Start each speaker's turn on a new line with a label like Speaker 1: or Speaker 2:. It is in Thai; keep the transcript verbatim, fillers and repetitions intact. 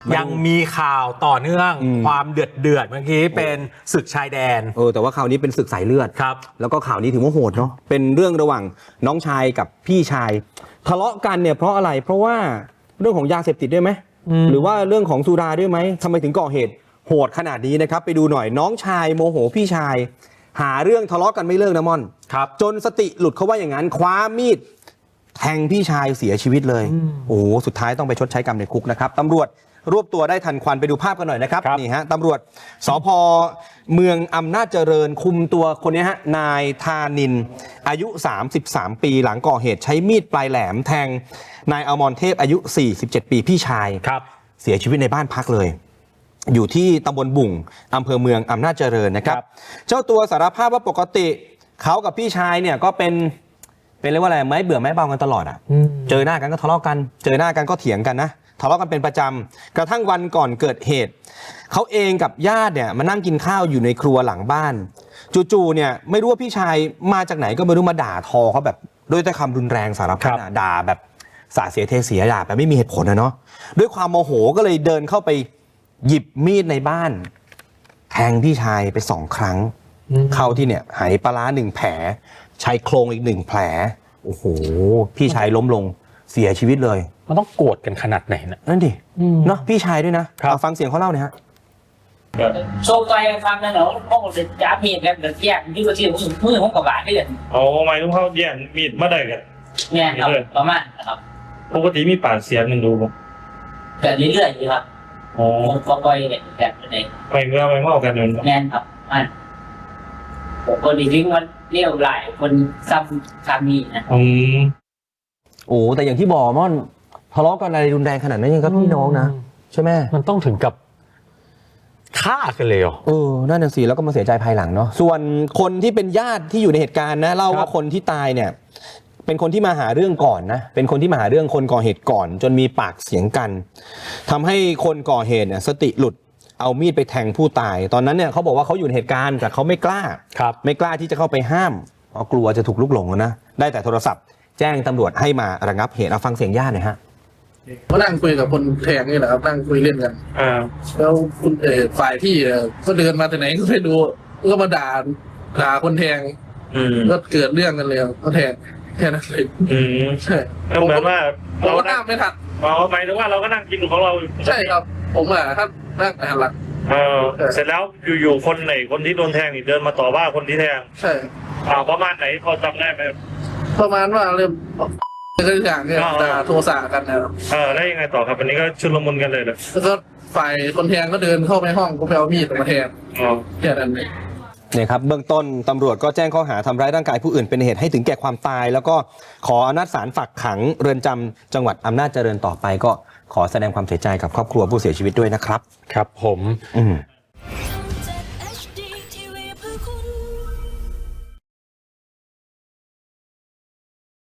Speaker 1: ยังมีข่าวต่อเนื่องความเดือดเดือดเมื่อกี้เป็นศึกชายแดน
Speaker 2: เออแต่ว่าข่าวนี้เป็นศึกสายเลือด
Speaker 1: ครับ
Speaker 2: แล้วก็ข่าวนี้ถือว่าโหดเนาะเป็นเรื่องระหว่างน้องชายกับพี่ชายทะเลาะกันเนี่ยเพราะอะไรเพราะว่าเรื่องของยาเสพติดด้วยไหมหรือว่าเรื่องของสุราด้วยไหมทำไมถึงก่อเหตุโหดขนาดนี้นะครับไปดูหน่อยน้องชายโมโหพี่ชายหาเรื่องทะเลาะกันไม่เลิกนะม่อน
Speaker 1: ครับ
Speaker 2: จนสติหลุดเขาว่าอย่างนั้นคว้ามีดแทงพี่ชายเสียชีวิตเลยโอ้โหสุดท้ายต้องไปชดใช้กรรมในคุกนะครับตำรวจรวบตัวได้ทันควันไปดูภาพกันหน่อยนะครับนี่ฮะตำรวจสภ.เมืองอำนาจเจริญคุมตัวคนนี้ฮะนายธานินอายุสามสิบสามปีหลังก่อเหตุใช้มีดปลายแหลมแทงนายอมรเทพอายุสี่สิบเจ็ดปีพี่ชายเสียชีวิตในบ้านพักเลยอยู่ที่ตำบลบุ่งอำเภอเมืองอำนาจเจริญนะครับเจ้าตัวสารภาพว่าปกติเขากับพี่ชายเนี่ยก็เป็นเป็นเรียกว่าอะไรไม้เบื่อไม้เบากันตลอดอ่ะเจอหน้ากันก็ทะเลาะกันเจอหน้ากันก็เถียงกันนะทะเลาะกันเป็นประจำกระทั่งวันก่อนเกิดเหตุเขาเองกับญาติเนี่ยมานั่งกินข้าวอยู่ในครัวหลังบ้านจู่ๆเนี่ยไม่รู้ว่าพี่ชายมาจากไหนก็ไม่รู้มาด่าทอเขาแบบด้วยแต่คำรุนแรงสารพัดด่าแบบสาเสียเทเสียด่าแบบไม่มีเหตุผลนะเนาะด้วยความโมโหก็เลยเดินเข้าไปหยิบมีดในบ้านแทงพี่ชายไปสองครั้งเข้าที่เนี่ยหายปลาร้าหนึ่งแผลชายโครงอีกหนึ่งแผลโอ้โหพี่ชายล้มลงเสียชีวิตเลย
Speaker 1: มันต้องโกรธกันขนาดไหนนะ
Speaker 2: นั่นดิเนาะพี่ชายด้วยนะฟังเสียงเขาเล่าหน่อยฮะ
Speaker 3: โชว์ไปฟังนะเนาะห้องจะจับมีดแล้วเดี๋ยวแยกที่ก็ที่มือห้องกับบาดได้เลย
Speaker 4: โอ้ไม่ต้องเขาแย่งมีดมาได้กัน
Speaker 3: เนี่ยครับประมาณนะครับ
Speaker 4: ปกติมีปากเสียงกันดูบ่
Speaker 3: แบบเรื่อยๆอยู่ครับโอ้ก็ไปแบบไหน
Speaker 4: ไม่เมื่อไม่เมากันเลย
Speaker 3: แน่นครับมันผมก็ดีทิ้งมันเลี้ยวไหลคนซ้ำซ้ำมีนะ
Speaker 4: อืม
Speaker 2: โอ้แต่อย่างที่บอกม่อนทะเลาะกันอะไรรุนแรงขนาดนั้นยังกับพี่น้องนะใช่ไหม
Speaker 1: มันต้องถึงกับฆ่ากันเลยเหรอ
Speaker 2: เออนั่นน่ะสิแล้วก็มาเสียใจภายหลังเนาะส่วนคนที่เป็นญาติที่อยู่ในเหตุการณ์นะเล่าว่าคนที่ตายเนี่ยเป็นคนที่มาหาเรื่องก่อนนะเป็นคนที่มาหาเรื่องคนก่อเหตุก่อนจนมีปากเสียงกันทำให้คนก่อเหตุเนี่ยสติหลุดเอามีดไปแทงผู้ตายตอนนั้นเนี่ยเขาบอกว่าเขาอยู่ในเหตุการณ์แต่เขาไม่กล้าไม่กล้าที่จะเข้าไปห้ามเพราะกลัวจะถูกลุกหลงนะได้แต่โทรศัพท์แจ้งตำรวจให้มาระงับเหตุเอาฟังเสียงญาติหน่อยฮะ
Speaker 5: ก็นั่งคุยกับคนแทงนี่แหละครับนั่งคุยเล่นกันแล้วคุณเออฝ่ายพี่ก็เดินมาแต่ไหนก็ไม่ดูก็มาด่าด่าคนแทงก็เกิดเรื่องกันเลยก็แทงแค่นั้นเลยใช่
Speaker 4: เหมือนว่า
Speaker 5: เราก็นั่งไม่ทัน
Speaker 4: เราหมายถึงว่าเราก็นั่งกินของเรา
Speaker 5: ใช่ครับผมอ่ะถ้านั่งหันหลัง
Speaker 4: เออเสร็จแล้วอยู่ๆคนไหนคนที่โดนแทงนี่เดินมาต่อว่าคนที่แทง
Speaker 5: ใช่
Speaker 4: อ่าประมาณไหนพอจำได้ไหม
Speaker 5: ประมาณว่าเริ่มก็อย่างเนี่ยด่าโทสะกันนะครับ
Speaker 4: เออได้ยังไงต่อครับวันนี้ก็ชุลมุนกันเลยเลย
Speaker 5: แล้วก็ฝ่ายคนแทงก็เดินเข้าไปห้องก็ไปเอามีดมาแทง
Speaker 4: อ๋อ
Speaker 5: แค่นั้นเอง
Speaker 2: เนี่ยครับเบื้องต้นตำรวจก็แจ้งข้อหาทำร้ายร่างกายผู้อื่นเป็นเหตุให้ถึงแก่ความตายแล้วก็ขออำนาจศาลฝากขังเรือนจำจังหวัดอำนาจเจริญต่อไปก็ขอแสดงความเสียใจกับครอบครัวผู้เสียชีวิตด้วยนะครับ
Speaker 1: ครับผม